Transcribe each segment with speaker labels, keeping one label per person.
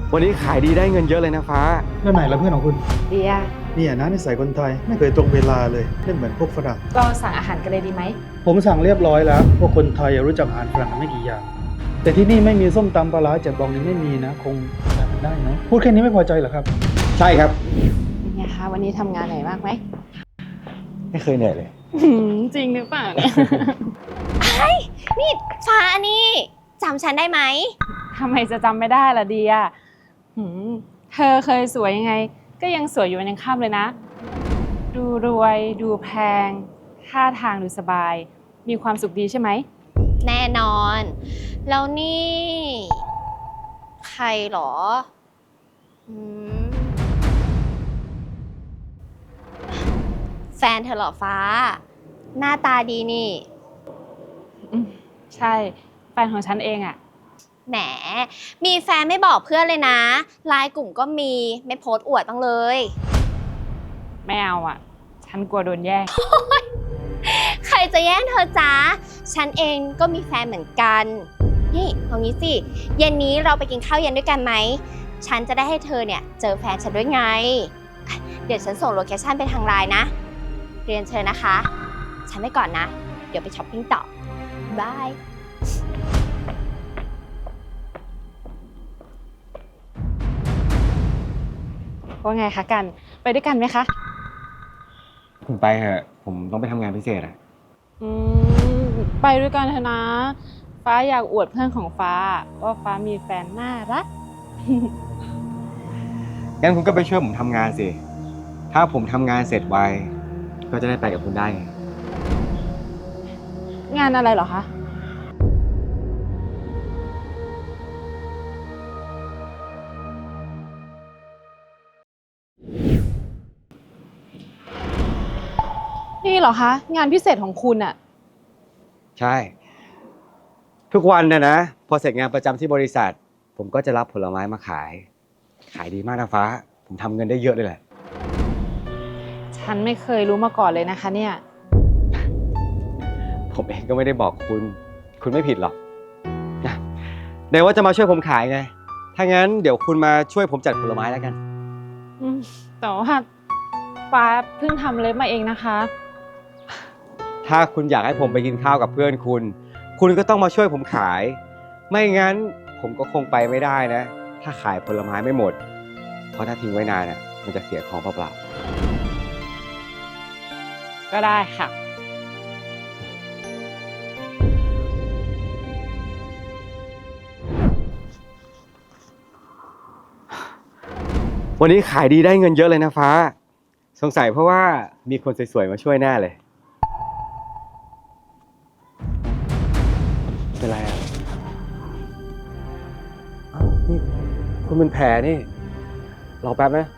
Speaker 1: วันนี้ขายดีได้เงินเยอะเลยนะฟ้า
Speaker 2: แล้วไหนละเพื่อนของคุณ
Speaker 3: เดีย
Speaker 2: เนี่ยนะนิสัยคนไทยไม่เคยตรงเวลาเลยไม่เหมือนพวกฝรั่ง
Speaker 3: เราสั่งอาหารกันเลยดีไหม
Speaker 2: ผมสั่งเรียบร้อยแล้วพวกคนไทยรู้จักอาหารฝรั่งไม่กี่อย่างแต่ที่นี่ไม่มีส้มตำปลาร้าแจ่วบองนี่ไม่มีนะคงทำได้เนาะพูดแค่นี้ไม่พอใจเหรอครับ
Speaker 1: ใช่ครับ
Speaker 3: เป็นไงคะวันนี้ทำงานเหนื่อยมากไหม
Speaker 1: ไม่เคยเหนื่อยเลย
Speaker 3: จริงหรือเปล่าเนี่ย
Speaker 4: นี่ฟ้านี่จำฉันได้ไหม
Speaker 3: ทำไมจะจำไม่ได้ล่ะเดียเธอเคยสวยยังไงก็ยังสวยอยู่วันยังค่ำเลยนะดูรวยดูแพงท่าทางดูสบายมีความสุขดีใช่ไหม
Speaker 4: แน่นอน แล้วนี่ ใครหรอแฟนเธอเหรอฟ้า หน้าตาดีนี่
Speaker 3: ใช่แฟนของฉันเองอะ
Speaker 4: แหมมีแฟนไม่บอกเพื่อนเลยนะไลน์กลุ่มก็มีไม่โพสต์อวดบ้างเลย
Speaker 3: ไม่เอาอะฉันกลัวโดนแย่ง
Speaker 4: ใครจะแย่งเธอจ๊ะฉันเองก็มีแฟนเหมือนกันนี่เอางี้สิเย็นนี้เราไปกินข้าวเย็นด้วยกันไหมฉันจะได้ให้เธอเนี่ยเจอแฟนฉันด้วยไงเดี๋ยวฉันส่งโลเคชั่นไปทางไลน์นะเรียนเชิญนะคะ ฉันไปก่อนนะ เดี๋ยวไปช้อปปิ้งต่อบาย
Speaker 3: ว่าไงคะกันไปด้วยกันไหมคะ
Speaker 1: คุณไปเถอะผมต้องไปทำงานพิเศษอะ
Speaker 3: ไปด้วยกันเถอะนะฟ้าอยากอวดเพื่อนของฟ้าว่าฟ้ามีแฟนน่ารัก
Speaker 1: งั้นคุณก็ไปช่วยผมทำงานสิถ้าผมทำงานเสร็จไวก็จะได้ไปกับคุณได้ไง
Speaker 3: งานอะไรเหรอคะนี่เหรอคะงานพิเศษของคุณอะ
Speaker 1: ใช่ทุกวันนะพอเสร็จงานประจำที่บริษัทผมก็จะรับผลไม้มาขายดีมากนะฟ้าผมทำเงินได้เยอะเลยแหละ
Speaker 3: ฉันไม่เคยรู้มาก่อนเลยนะคะเนี่ย
Speaker 1: ผมเองก็ไม่ได้บอกคุณไม่ผิดหรอกนะไหนว่าจะมาช่วยผมขายไงถ้างั้นเดี๋ยวคุณมาช่วยผมจัดผลไม้แล้วกัน
Speaker 3: แต่ว่าฟ้าเพิ่งทำเล็บมาเองนะคะ
Speaker 1: ถ้าคุณอยากให้ผมไปกินข้าวกับเพื่อนคุณก็ต้องมาช่วยผมขาย ไม่งั้นผมก็คงไปไม่ได้นะ ถ้าขายผลไม้ไม่หมด เพราะถ้าทิ้งไว้นานน่ะมันจะเสียของเปล่า
Speaker 3: ก็ได้ค่ะ
Speaker 1: ๆวันนี้ขายดีได้เงินเยอะเลยนะฟ้า สงสัยเพราะว่ามีคนสวยๆมาช่วยแน่เลยเป็นไรอ่ะอ้าวนี่คุณเป็นแผลนี่รอแป๊บนะ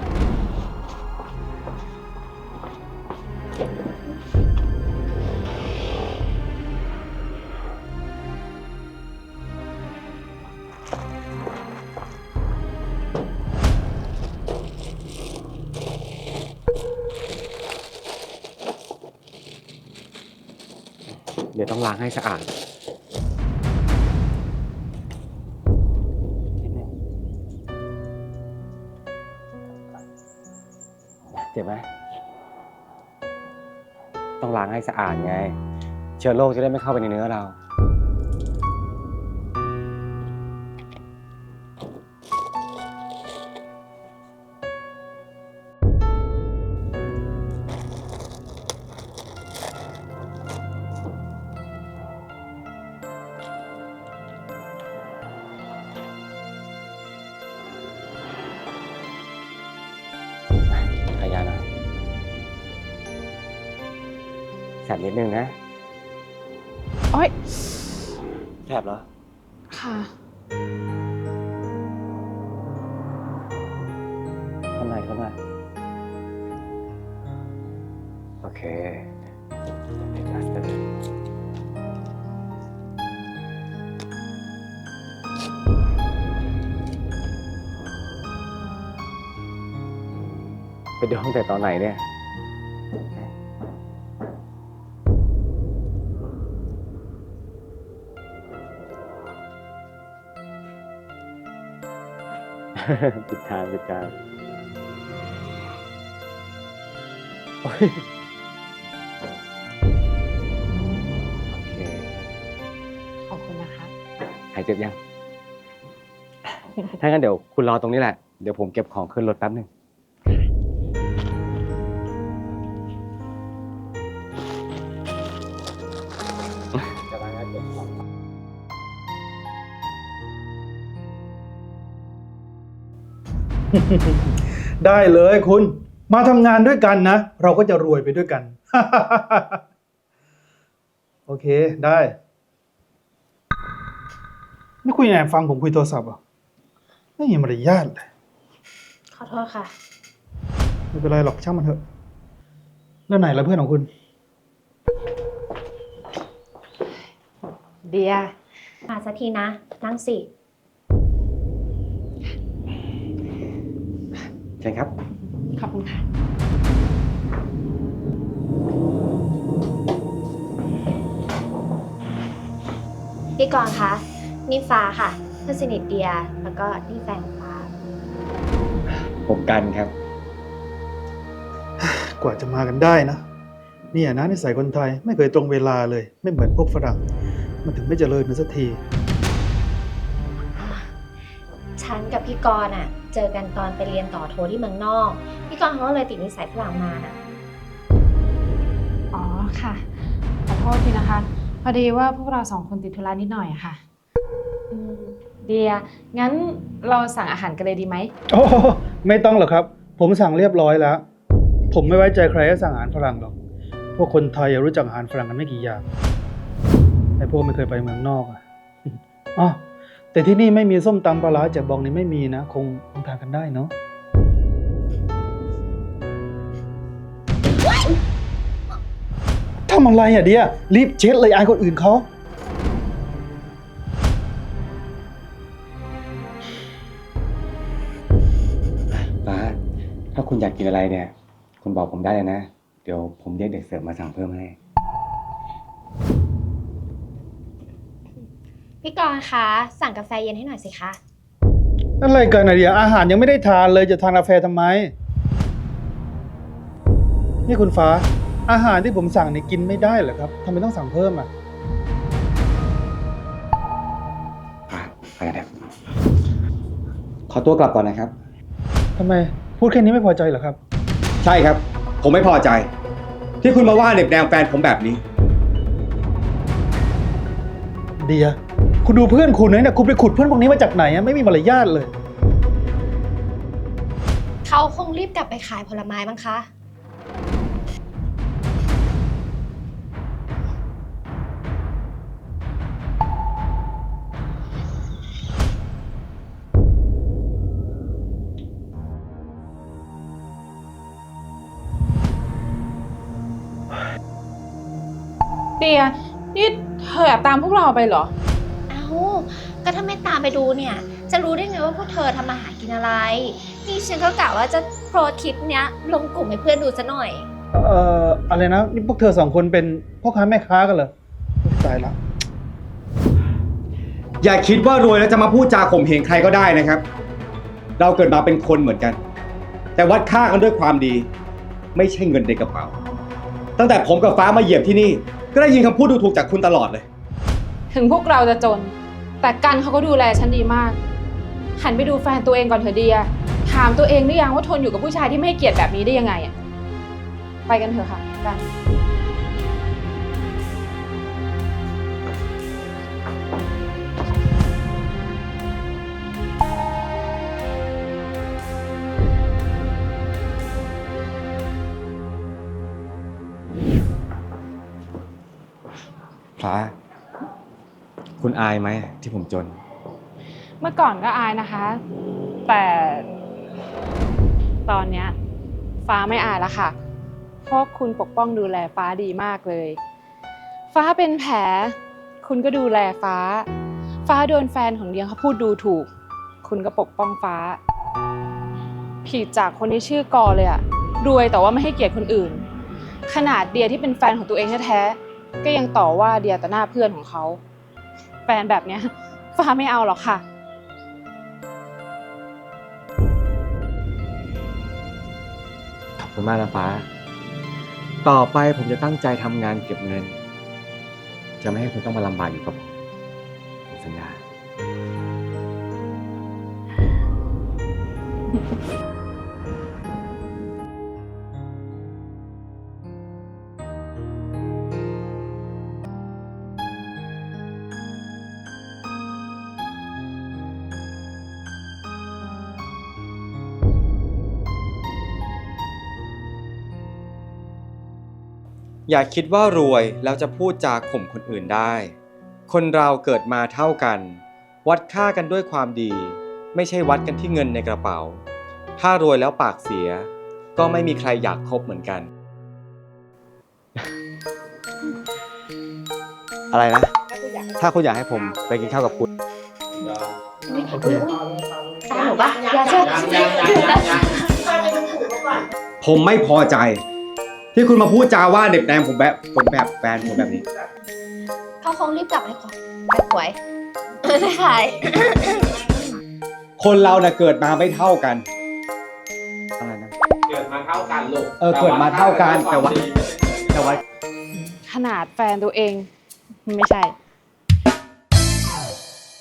Speaker 1: เดี๋ยวต้องล้างให้สะอาดนิดนึงเจ็บไหมต้องล้างให้สะอาดไง เชื้อโรคจะได้ไม่เข้าไปในเนื้อเราขยาหน่อยแสบนิดนึงนะ
Speaker 3: โอ๊ย
Speaker 1: แสบเหรอ
Speaker 3: ค่ะ
Speaker 1: ข้างในโอเคเป็นพลาสเตอร์ไปดูตั้งแต่ตอนไหนเนี่ยผิดทางโอ้ยโอเค
Speaker 3: ขอบคุณนะคะ
Speaker 1: หายเจ็บยัง ถ้างั้นเดี๋ยวคุณรอตรงนี้แหละ เดี๋ยวผมเก็บของขึ้นรถแป๊บหนึ่ง
Speaker 2: ได้เลยคุณ มาทำงานด้วยกันนะ เราก็จะรวยไปด้วยกัน โอเคได้ ไม่คุยแอบฟังผมคุยโทรศัพท์เหรอ่ะไม่มีมารยาทเลย
Speaker 4: ขอโทษค่ะ
Speaker 2: ไม่เป็นไรหรอกช่างมันเถอะ แล้วไหนละเพื่อนของคุณ
Speaker 3: เดีย
Speaker 4: มาสักทีนะ นั่งสิ
Speaker 1: ใช่ครับ
Speaker 3: ขอบคุณค่ะ
Speaker 4: พี่กรณ์คะ นี่ฟ้าค่ะ เพื่อนสนิทเดีย แล้วก็นี่แฟนของฟ้า
Speaker 1: ผมกันครับ
Speaker 2: กว่าจะมากันได้นะเนี่ยนะนิสัยคนไทยไม่เคยตรงเวลาเลย ไม่เหมือนพวกฝรั่ง มันถึงไม่เจริญมันสักที
Speaker 4: ฉันกับพี่กรณ์เจอกันตอนไปเรียนต่อโทที่เมืองนอก พี่กรณ์เขาก็เลยติดนิสัยฝรั่งมาน่ะ
Speaker 3: อ๋อค่ะ ขอโทษทีนะคะ พอดีว่าพวกเราสองคนติดธุระนิดหน่อยอะค่ะ เดีย งั้นเราสั่งอาหารกันเลยดีไหม
Speaker 2: โอ้ไม่ต้องหรอกครับ ผมสั่งเรียบร้อยแล้ว ผมไม่ไว้ใจใครให้สั่งอาหารฝรั่งหรอก พวกคนไทยรู้จักอาหารฝรั่งกันไม่กี่อย่างไอ้พวกไม่เคยไปเมืองนอกอ่ะ อ๋อแต่ที่นี่ไม่มีส้มตำปลาร้าจากบองนี่ไม่มีนะคงทานกันได้เนาะทำอะไรอ่ะเดียรีบเช็ดเลยอายคนอื่นเขา
Speaker 1: ฟ้า ถ้าคุณอยากกินอะไรเนี่ย คุณบอกผมได้เลยนะ เดี๋ยวผมเรียกเด็กเสิร์ฟมาสั่งเพิ่มให้
Speaker 4: พี่กรณ์คะ สั่งกาแฟเย็นให้หน่อยสิคะ
Speaker 2: อะไรกันอะเดียอาหารยังไม่ได้ทานเลยจะทานกาแฟทำไม นี่คุณฟ้า อาหารที่ผมสั่งนี่กินไม่ได้เหรอครับทำไมต้องสั่งเพิ่มอ่ะ
Speaker 1: ไปกันเถอะขอตัวกลับก่อนนะครับ
Speaker 2: ทำไมพูดแค่นี้ไม่พอใจเหรอครับ
Speaker 1: ใช่ครับ ผมไม่พอใจ ที่คุณมาว่าเน็บแนมแฟนผมแบบนี้
Speaker 2: เดีย คุณดูเพื่อนคุณเนี่ยคุณไปขุดเพื่อนพวกนี้มาจากไหนอะไม่มีมารยาทเลย
Speaker 4: เขาคงรีบกลับไปขายผลไม้มั้งคะ
Speaker 3: เดีย นี่เธอแอบตามพวกเราไปเหรอ
Speaker 4: เอ้า ก็ถ้าไม่ตามไปดูเนี่ย จะรู้ได้ไงว่าพวกเธอทำอาหารกินอะไร นี่ฉันก็กะว่าจะโพสต์คลิปเนี้ยลงกลุ่มให้เพื่อนดูซะหน่อย
Speaker 2: อะไรนะนี่พวกเธอสองคนเป็นพ่อค้าแม่ค้ากันเหรอตายละ
Speaker 1: อย่าคิดว่ารวยแล้วจะมาพูดจาข่มเหงใครก็ได้นะครับ เราเกิดมาเป็นคนเหมือนกัน แต่วัดค่ากันด้วยความดี ไม่ใช่เงินในกระเป๋า ตั้งแต่ผมกับฟ้ามาเหยียบที่นี่ ก็ได้ยินคำพูดดูถูกจากคุณตลอดเลย
Speaker 3: ถึงพวกเราจะจน แต่กันเขาก็ดูแลฉันดีมาก หันไปดูแฟนตัวเองก่อนเถอะเดีย ถามตัวเองหรือยังว่าทนอยู่กับผู้ชายที่ไม่ให้เกียรติแบบนี้ได้ยังไงอะไปกันเถอะค่ะกัน
Speaker 1: ฟ้า คุณอายไหมที่ผมจน
Speaker 3: เมื่อก่อนก็อายนะคะ แต่ตอนเนี้ยฟ้าไม่อายแล้วค่ะ เพราะคุณปกป้องดูแลฟ้าดีมากเลย ฟ้าเป็นแผล คุณก็ดูแลฟ้า ฟ้าโดนแฟนของเดียเขาพูดดูถูก คุณก็ปกป้องฟ้า ผิดจากคนที่ชื่อกอเลยอะรวยแต่ว่าไม่ให้เกียรติคนอื่น ขนาดเดียที่เป็นแฟนของตัวเองแท้ๆก็ยังต่อว่าเดียต่อหน้าเพื่อนของเขา แฟนแบบเนี้ยฟ้าไม่เอาหรอกค่ะ
Speaker 1: ขอบคุณมากนะฟ้า ต่อไปผมจะตั้งใจทำงานเก็บเงิน จะไม่ให้คุณต้องมาลำบากอยู่กับผมสัญญา อย่าคิดว่ารวยแล้วจะพูดจาข่มคนอื่นได้ คนเราเกิดมาเท่ากัน วัดค่ากันด้วยความดี ไม่ใช่วัดกันที่เงินในกระเป๋า ถ้ารวยแล้วปากเสีย ก็ไม่มีใครอยากคบเหมือนกัน อะไรนะ ถ้าคุณอยากให้ผมไปกินข้าวกับคุณ
Speaker 2: โอเค
Speaker 4: ตามหนูปะอย่าเชื่อ
Speaker 1: ผมไม่พอใจ ที่คุณมาพูดจาว่าเด็กแนมผมแบบแฟนผมแบบนี้
Speaker 4: เขาคงรีบกลับเลยก่อนแบบหวยไม่ขาย
Speaker 1: คนเราเกิดมาไม่เท่ากัน อะไรนะ
Speaker 5: เกิดมาเท่ากันลูก
Speaker 1: เกิดมาเท่ากันแต่ว่า
Speaker 3: ขนาดแฟนตัวเอง ไม่ใช่